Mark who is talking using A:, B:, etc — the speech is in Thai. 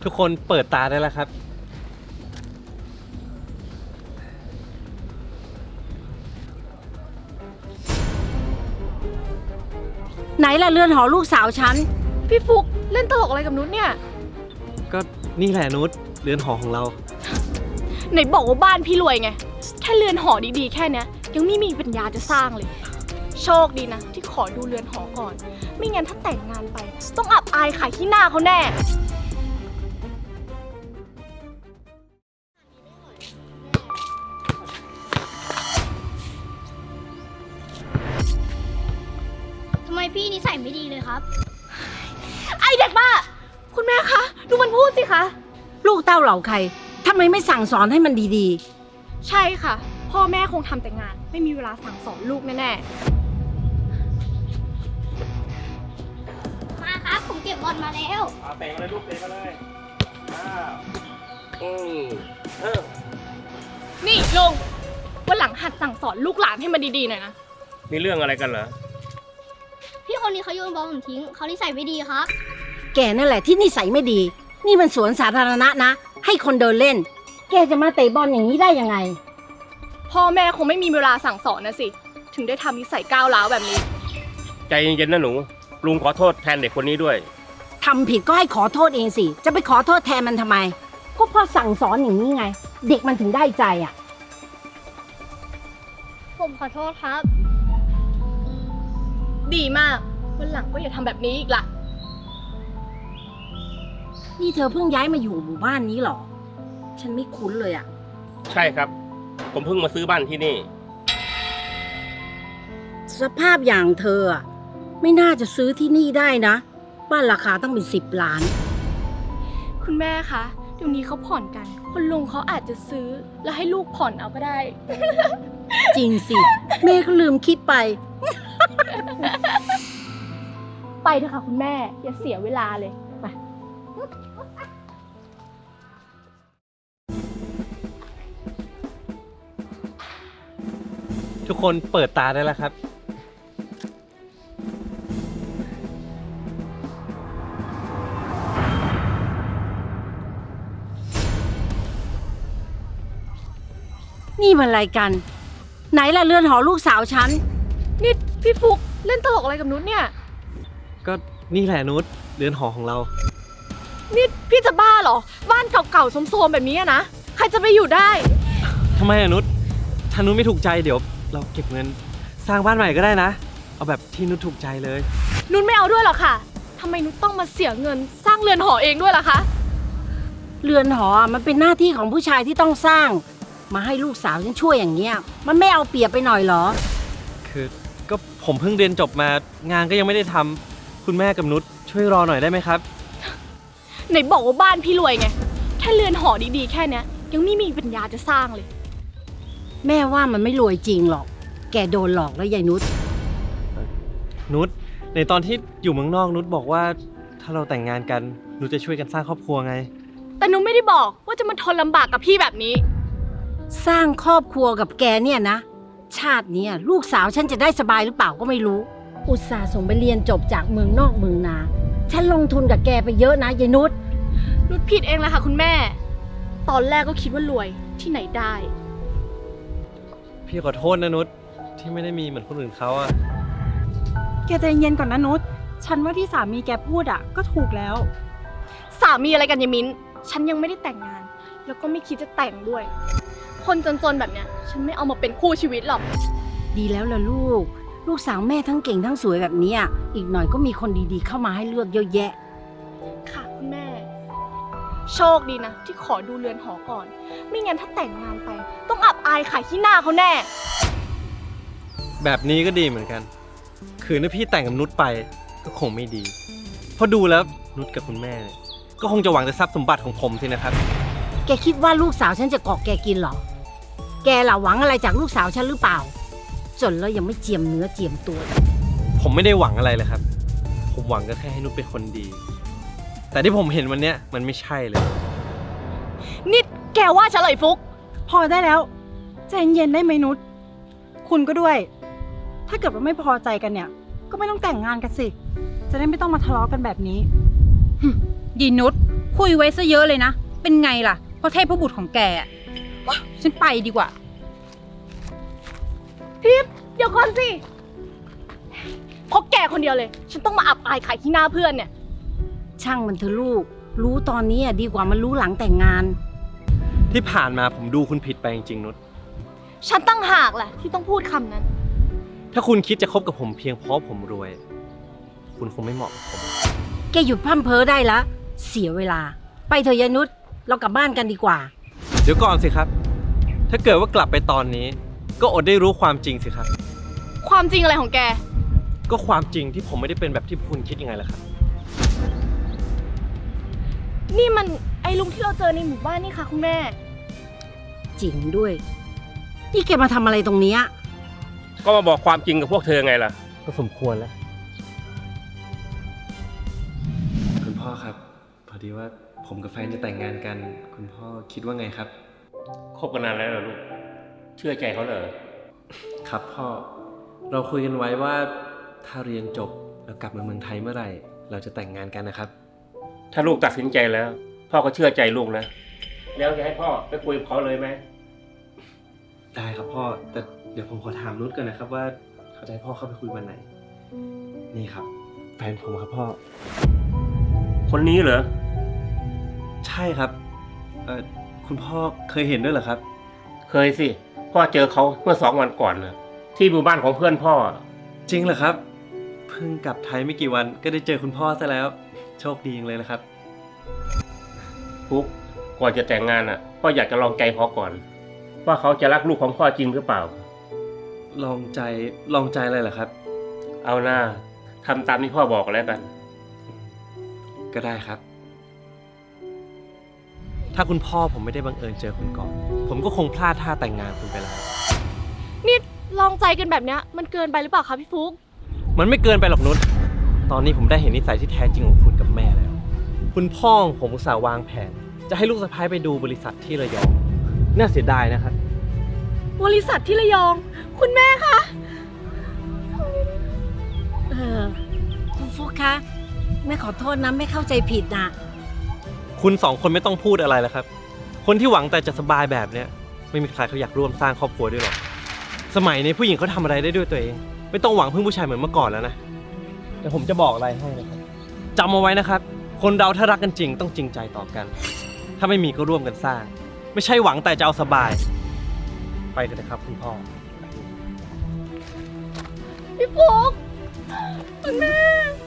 A: ทุกคนเปิดตาได้แล้วครับ
B: ไหนล่ะเรือนหอลูกสาวฉัน
C: พี่ฟุกเล่นตลกอะไรกับนุชเนี่ย
A: ก็นี่แหละนุชเรือนหอของเรา
C: ไหนบอกว่าบ้านพี่รวยไง แค่เรือนหอดีๆแค่เนี้ยยังไม่มีปัญญาจะสร้างเลย โชคดีนะที่ขอดูเรือนหอก่อน ไม่งั้นถ้าแต่งงานไป ต้องอับอายขายขี้หน้าเขาแน่
D: ทำไมพี่นิสัยไม่ดีเลยครับ
C: ไอเด็กบ้า คุณแม่คะ ดูมันพูดสิคะ
B: ลูกเต้าเหล่าใครทำไมไม่สั่งสอนให้มันดี
C: ใช่ค่ะ พ่อแม่คงทำแต่งาน ไม่มีเวลาสั่งสอนลูกแน่
D: มาครับ ผมเก็บบอลมาแล้ว
A: เตะมาเลยลูกเตะมาเลย
C: ๆนี่ลุงวันหลังหัดสั่งสอนลูกหลานให้มันดีๆหน่อยนะ
E: มีเรื่องอะไรกันเหรอ
D: พี่คนนี้เขาโยนบอลผมทิ้งเขานิสัยไม่ดีครับ
B: ๆ แกนั่นแหละที่นิสัยไม่ดี นี่มันสวนสาธารณะนะ ให้คนเดินเล่น แกจะมาเตะบอลอย่างนี้ได้ยังไง
C: พ่อแม่คงไม่มีเวลาสั่งสอนนะสิ ถึงได้ทำนิสัยก้าวร้าวแบบนี้
E: ใจเย็นๆนะหนู ลุงขอโทษแทนเด็กคนนี้ด้วย
B: ทำผิดก็ให้ขอโทษเองสิ จะไปขอโทษแทนมันทำไมก็เพราะสั่งสอนอย่างนี้ไง เด็กมันถึงได้ใจอ่ะ
D: ผมขอโทษครับ
C: ดีมากวันหลังก็อย่าทำแบบนี้อีกละ
B: นี่เธอเพิ่งย้ายมาอยู่หมู่บ้านนี้เหรอ ฉันไม่คุ้นเลยอ่ะ
E: ใช่ครับ ผมเพิ่งมาซื้อบ้านที่นี่
B: สภาพอย่างเธออะไม่น่าจะซื้อที่นี่ได้นะ บ้านราคาต้องเป็น10 ล้าน
C: คุณแม่คะเดี๋ยวนี้เขาผ่อนกันคุณลุงเขาอาจจะซื้อแล้วให้ลูกผ่อนเอาก็ได้
B: จริงสิ แม่ก็ลืมคิดไป
C: ไปเถอะค่ะคุณแม่อย่าเสียเวลาเลยไป
A: ทุกคนเปิดตาได้แล้วครับ
B: นี่มันอะไรกัน ไหนล่ะเรือนหอลูกสาวฉัน
C: นี่พี่ฟุกเล่นตลกอะไรกับนุชเนี่ย
A: ก็นี่แหละนุชเรือนหอของเรา
C: นี่พี่จะบ้าเหรอ บ้านเก่าๆโทรมๆแบบนี้อะนะ ใครจะไปอยู่ได้
A: ทำไมอะนุชถ้านุชไม่ถูกใจเดี๋ยวเราเก็บเงินสร้างบ้านใหม่ก็ได้นะ เอาแบบที่นุชถูกใจเลย
C: นุชไม่เอาด้วยหรอกค่ะทำไมนุชต้องมาเสียเงินสร้างเรือนหอเองด้วยล่ะคะ
B: เรือนหอมันเป็นหน้าที่ของผู้ชายที่ต้องสร้าง มาให้ลูกสาวฉันช่วยอย่างเงี้ย มันไม่เอาเปรียบไปหน่อยเหรอ
A: คือก็ผมเพิ่งเรียนจบมางานก็ยังไม่ได้ทำคุณแม่กับนุชช่วยรอหน่อยได้ไหมครับ
C: ไหนบอกว่าบ้านพี่รวยไง แค่เรือนหอดีๆแค่เนี้ยยังไม่มีปัญญาจะสร้างเลย
B: แม่ว่ามันไม่รวยจริงหรอก แกโดนหลอกแล้วยายนุช
A: นุชในตอนที่อยู่เมืองนอกนุชบอกว่าถ้าเราแต่งงานกันนุชจะช่วยกันสร้างครอบครัวไง
C: แต่นุชไม่ได้บอกว่าจะมาทนลำบากกับพี่แบบนี้
B: สร้างครอบครัวกับแกเนี่ยนะ ชาติเนี้ยลูกสาวฉันจะได้สบายหรือเปล่าก็ไม่รู้ อุตส่าห์ส่งไปเรียนจบจากเมืองนอกเมืองนา ฉันลงทุนกับแกไปเยอะนะยายนุช
C: นุชผิดเองแหละค่ะคุณแม่ ตอนแรกก็คิดว่ารวยที่ไหนได้
A: พี่ขอโทษนะนุชที่ไม่ได้มีเหมือนคนอื่นเขาอะ
F: แกใจเย็นก่อนนะนุช ฉันว่าที่สามีแกพูดอ่ะก็ถูกแล้ว
C: สามีอะไรกันยายมิ้น ฉันยังไม่ได้แต่งงาน แล้วก็ไม่คิดจะแต่งด้วย คนจนๆแบบเนี้ย ฉันไม่เอามาเป็นคู่ชีวิตหรอก
B: ดีแล้วล่ะลูก ลูกสาวแม่ทั้งเก่งทั้งสวยแบบเนี้ยอีกหน่อยก็มีคนดีๆเข้ามาให้เลือกเยอะแยะ
C: ค่ะคุณแม่ โชคดีนะที่ขอดูเรือนหอก่อน ไม่งั้นถ้าแต่งงานไป ต้องอับอายขายขี้หน้าเขาแน่
A: แบบนี้ก็ดีเหมือนกัน คือถ้าพี่แต่งกับนุชไปก็คงไม่ดี เพราะดูแล้วนุชกับคุณแม่เนี่ยก็คงจะหวังแต่ทรัพย์สมบัติของผมสินะครับ
B: แกคิดว่าลูกสาวฉันจะเกาะแกกินเหรอ แกล่ะหวังอะไรจากลูกสาวฉันหรือเปล่า จนแล้วยังไม่เจียมเนื้อเจียมตัว
A: ผมไม่ได้หวังอะไรเลยครับ ผมหวังก็แค่ให้นุชเป็นคนดี แต่ที่ผมเห็นวันเนี้ยมันไม่ใช่เลย
C: นี่แกว่าฉันเลยฟุก
F: พอได้แล้ว ใจเย็นได้ไหมนุช คุณก็ด้วย ถ้าเกิดว่าไม่พอใจกันเนี่ย ก็ไม่ต้องแต่งงานกันสิ จะได้ไม่ต้องมาทะเลาะกันแบบนี้
G: ยีนุชคุยไว้ซะเยอะเลยนะ เป็นไงล่ะเพราะเทพบุตรของแกอะว้าฉันไปดีกว่า
C: ทิพย์เดี๋ยวก่อนสิเพราะแกคนเดียวเลย ฉันต้องมาอับอายขายที่หน้าเพื่อนเนี่ย
B: ช่างมันเถอะลูก รู้ตอนนี้อะดีกว่ามันรู้หลังแต่งงาน
A: ที่ผ่านมาผมดูคุณผิดไปจริงๆนุช
C: ฉันตั้งหากแหละที่ต้องพูดคำนั้น
A: ถ้าคุณคิดจะคบกับผมเพียงเพราะผมรวย คุณคงไม่เหมาะกับผม
B: แกหยุดพร่ำเพ้อได้ละ เสียเวลา ไปเถอะยายนุช เรากลับบ้านกันดีกว่า
A: เดี๋ยวก่อนสิครับ ถ้าเกิดว่ากลับไปตอนนี้ ก็อดได้รู้ความจริงสิครับ
C: ความจริงอะไรของแก
A: ก็ความจริงที่ผมไม่ได้เป็นแบบที่คุณคิดยังไงล่ะครับ
C: นี่มันไอ้ลุงที่เราเจอในหมู่บ้านนี่ค่ะคุณแม่
B: จริงด้วย นี่แกมาทำอะไรตรงเนี้ย
E: ก็มาบอกความจริงกับพวกเธอไงล่ะ
A: ก็สมควรแล้ว คุณพ่อครับ พอดีว่าผมกับแฟนจะแต่งงานกัน คุณพ่อคิดว่าไงครับ
E: คบกันนานแล้วเหรอลูก เชื่อใจเขาเหรอ
A: ครับพ่อ เราคุยกันไว้ว่าถ้าเรียนจบแล้วกลับมาเมืองไทยเมื่อไหร่ เราจะแต่งงานกันนะครับ
E: ถ้าลูกตัดสินใจแล้ว พ่อก็เชื่อใจลูกนะ แล้วจะให้พ่อไปคุยกับเขาเลยไหม
A: ได้ครับพ่อ แต่เดี๋ยวผมขอถามนุชก่อนนะครับว่าเขาจะให้พ่อเข้าไปคุยวันไหน นี่ครับ แฟนผมครับพ่อ
E: คนนี้เหรอ
A: ใช่ครับ คุณพ่อเคยเห็นด้วยเหรอครับ
E: เคยสิ พ่อเจอเขาเมื่อ2 วันก่อนนะที่หมู่บ้านของเพื่อนพ่อ
A: จริงเหรอครับ เพิ่งกลับไทยไม่กี่วันก็ได้เจอคุณพ่อซะแล้ว โชคดีจังเลยนะครับ
E: ปุ๊บก่อนจะแต่งงานอ่ะ พ่ออยากจะลองใจเขาก่อน ว่าเขาจะรักลูกของพ่อจริงหรือเปล่า
A: ลองใจอะไรเหรอครับ
E: เอาหน้าทำตามที่พ่อบอกแล้วกัน
A: ก็ได้ครับ ถ้าคุณพ่อผมไม่ได้บังเอิญเจอคุณก่อน ผมก็คงพลาดท่าแต่งงานคุณไปแล้ว
C: นี่ลองใจกันแบบเนี้ยมันเกินไปหรือเปล่าคะพี่ฟุ๊ก
A: มันไม่เกินไปหรอกนุช ตอนนี้ผมได้เห็นนิสัยที่แท้จริงของคุณกับแม่แล้ว คุณพ่อของผมอุตส่าห์วางแผน จะให้ลูกสะใภ้ไปดูบริษัทที่ระยอง น่าเสียดายนะครับ
C: บริษัทที่ระยอง คุณแม่คะ
B: คุณฟุกคะแม่ขอโทษนะไม่เข้าใจผิดนะ
A: คุณ2 คนไม่ต้องพูดอะไรแล้วครับ คนที่หวังแต่จะสบายแบบเนี้ยไม่มีใครเขาอยากร่วมสร้างครอบครัวด้วยหรอก สมัยนี้ผู้หญิงเขาทำอะไรได้ด้วยตัวเอง ไม่ต้องหวังพึ่งผู้ชายเหมือนเมื่อก่อนแล้วนะ แต่ผมจะบอกอะไรให้นะครับจำเอาไว้นะครับ คนเราถ้ารักกันจริงต้องจริงใจต่อกัน ถ้าไม่มีก็ร่วมกันสร้าง ไม่ใช่หวังแต่จะเอาสบาย ไปกันนะครับคุณพ่อ
C: พี่ฟุ๊กคุณแม่